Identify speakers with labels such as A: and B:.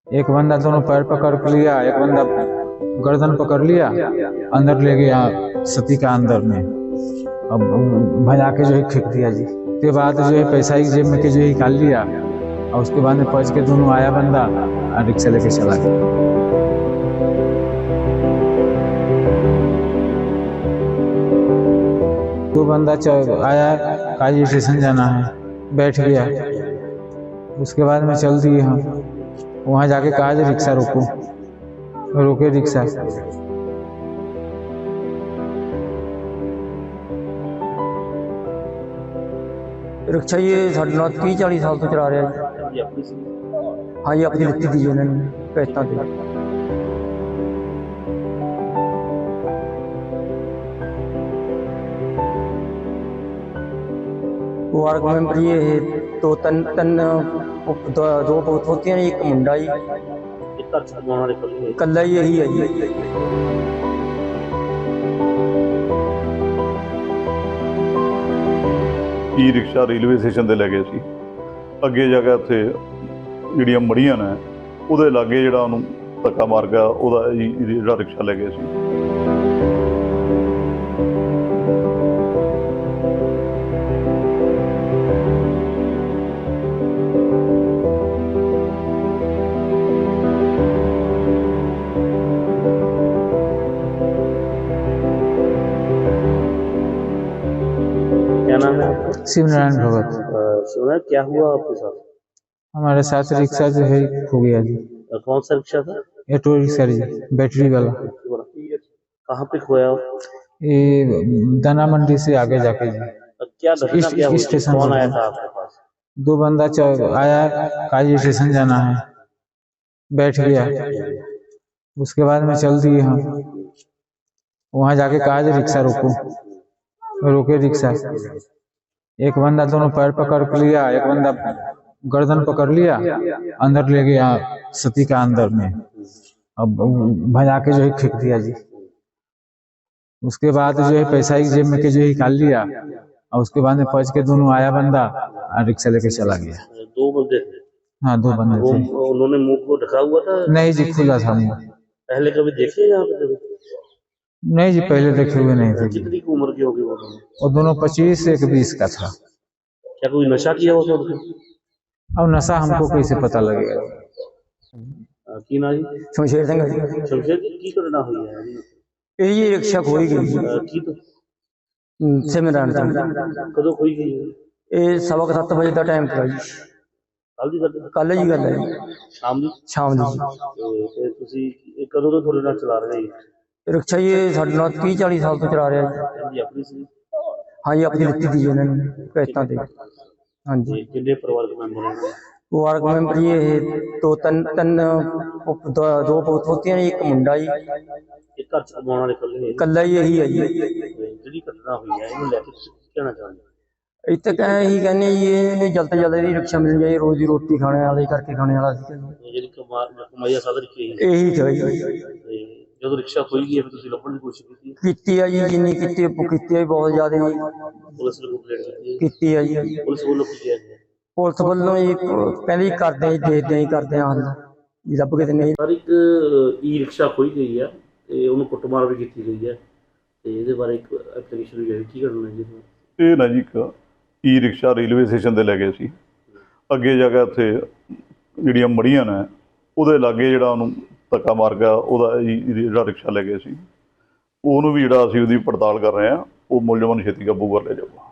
A: एक बंदा दोनों पैर पकड़ के लिया, एक बंदा गर्दन पकड़ लिया, अंदर ले गया सती का अंदर में। अब भजा के जो है फेंक दिया जी। उसके बाद जो है पैसा ही जेब में के जो है निकाल लिया, और उसके बाद में पहुंच के दोनों आया बंदा और रिक्शा लेके चला गया। दो बंदा आया, काजी स्टेशन जाना है, बैठ गया। उसके बाद में चल दिए हम, वहाँ जाके कहा जो रिक्शा रोको, रोके रिक्शा।
B: रिक्शा ये साढ़े 30-40 साल तो चला रहा है। हाँ जी, अपनी लिखी थी उन्होंने किश्तों पे। वार्ड मेंबर ये है, दो बहुत होती हैं, एक मुंडा ही कल्ला ही यही है जी।
C: ई रिक्शा रेलवे स्टेशन ਤੇ ਲੈ ਗਏ ਸੀ। ਅੱਗੇ ਜਾ ਕੇ ਉੱਥੇ ਜਿਹੜੀਆਂ ਮੜੀਆਂ ਨੇ ਉਹਦੇ ਲਾਗੇ ਜਿਹੜਾ ਉਹਨੂੰ ਧੱਕਾ ਮਾਰ ਗਿਆ, ਉਹਦਾ ਜਿਹੜਾ ਰਿਕਸ਼ਾ ਲੈ ਗਏ ਸੀ।
D: क्या नाम है?
A: शिवनारायण भगत।
D: शिवनारायण, क्या हुआ आपके साथ?
A: हमारे साथ रिक्शा जो है खो गया जी।
D: कौन सा रिक्शा था?
A: ऑटो रिक्शा जी, बैटरी वाला।
D: कहाँ पे खोया?
A: ये दाना मंडी से आगे जाके जी।
D: क्या घटना क्या हुई?
A: स्टेशन
D: कौन आया था आपके पास?
A: दो बंदा आया, काजी स्टेशन जाना है, बैठ गया। उसके बाद में चल दिए हम, वहाँ जाके कहा जो रिक्शा रोको, रोके रिक्शा। एक बंदा दोनों पैर पकड़ के लिया, एक बंदा गर्दन पकड़ लिया, अंदर ले गया सती का अंदर में। अब भजा के जो है फेंक दिया जी। उसके बाद जो है पैसा ही जेब में के जो है निकाल लिया, और उसके बाद में पहुंच के दोनों आया बंदा और रिक्शा लेके चला गया।
D: दो बंदे थे?
A: हाँ, दो बंदे थे।
D: उन्होंने मुंह को ढका हुआ था?
A: नहीं जी, खुला था मुंह।
D: पहले कभी देखे यहाँ पे?
A: नहीं जी, पहले देखे हुए नहीं थे।
D: कितनी की उम्र की होगी वो?
A: और दोनों 25 से 20 का था।
D: क्या कोई नशा किया हुआ था?
A: अब नशा हमको कैसे पता लगेगा?
D: की ना जी?
B: शमशेर सिंह।
D: शमशेर जी, की घटना हुई है?
B: ये रिक्शा खोई गई
D: की तो
B: सिमरन
D: कदों खोई गई?
B: ये 7:15 बजे का टाइम था जी। कल जी गल है,
D: शाम दी?
B: शाम दी।
D: ਤੇ ਤੁਸੀਂ ਕਦੋਂ ਤੋਂ ਤੁਹਾਡੇ ਨਾਲ ਚਲਾ ਰਹੇ ਹੋ?
B: रिक्शा ये साढ़े 30-40 साल तो चला रहा है।
D: ਜੀ ਆਪਣੀ ਸੀ?
B: हाँ जी, अपनी लिखी थी उन्होंने किश्तों पे। हाँ जी।
D: ਕਿੰਨੇ ਪਰਿਵਾਰਕ ਮੈਂਬਰ ਹਨ?
B: वार्ड मेंबर ये है, दो बहुत होती हैं, एक मुंडा ही
D: ਇਹ ਘਰ ਚ ਕਮਾਉਣ ਵਾਲੇ ਇਕੱਲੇ?
B: कल्ला ही यही है जी।
D: ਜਿਹੜੀ ਘਟਨਾ ਹੋਈ ਹੈ ਇਹਨੂੰ ਲੈ ਕੇ ਤੁਸੀਂ ਕੀ ਕਹਿਣਾ ਚਾਹੁੰਦੇ ਹੋ?
B: इतने कहीं ही कहने ये जल्द से जल्द रिक्शा मिल जाए, रोजी रोटी खाने वाले करके खाने वाला
D: ਜਿਹੜੀ ਕਮਾਈਆ ਸਾਧਨ ਕੀ ਹੈ?
B: यही चाहिए।
D: ਤੇ ਜਦੋਂ ਰਿਕਸ਼ਾ ਖੋਈ ਗਈ ਫਿਰ ਤੁਸੀਂ ਲੱਭਣ ਦੀ ਕੋਸ਼ਿਸ਼ ਕੀਤੀ?
B: ਕੀਤੀ ਹੈ ਜੀ, ਜਿੰਨੀ ਕੀਤੀ ਹੈ ਬਹੁਤ ਜ਼ਿਆਦਾ ਜੀ।
D: ਪੁਲਿਸ ਨੂੰ ਕੰਪਲੇਂਟ
B: ਕੀਤੀ ਹੈ ਜੀ।
D: ਪੁਲਿਸ ਵੱਲੋਂ ਕੀ ਕਿਹਾ ਗਿਆ?
B: ਪੁਲਿਸ ਵੱਲੋਂ ਜੀ ਕਹਿੰਦੇ ਕਰਦੇ ਜੀ, ਦੇਖਦੇ ਜੀ, ਕਰਦੇ ਹਾਂ ਹੱਲ ਜੀ, ਲੱਭ ਕੇ ਤੇ ਨਹੀਂ।
D: ਸਰ, ਇੱਕ ਈ ਰਿਕਸ਼ਾ ਖੋਈ ਗਈ ਹੈ ਤੇ ਉਹਨੂੰ ਕੁੱਟਮਾਰ ਵੀ ਕੀਤੀ ਗਈ ਹੈ, ਤੇ ਇਹਦੇ ਬਾਰੇ ਇੱਕ ਐਪਲੀਕੇਸ਼ਨ ਵੀ ਹੈ, ਕੀ ਕਰਨਾ ਜੀ?
C: ਇਹ ਨਾ ਜੀ, ਇੱਕ ਈ ਰਿਕਸ਼ਾ ਰੇਲਵੇ ਸਟੇਸ਼ਨ ਤੇ ਲੈ ਗਏ ਸੀ। ਅੱਗੇ ਜਾ ਕੇ ਉੱਥੇ ਜਿਹੜੀਆਂ ਮੜੀਆਂ ਨੇ ਉਹਦੇ ਲਾਗੇ ਜਿਹੜਾ ਉਹਨੂੰ ਧੱਕਾ ਮਾਰ ਗਿਆ, ਉਹਦਾ ਜਿਹੜਾ ਰਿਕਸ਼ਾ ਲੈ ਗਏ ਸੀ, ਉਹਨੂੰ ਵੀ ਜਿਹੜਾ ਅਸੀਂ ਉਹਦੀ ਪੜਤਾਲ ਕਰ ਰਹੇ ਹਾਂ, ਉਹ ਮੁਲਜ਼ਮਾਂ ਨੂੰ ਛੇਤੀ ਕਾਬੂ ਕਰ ਲਿਆ ਜਾਊਗਾ।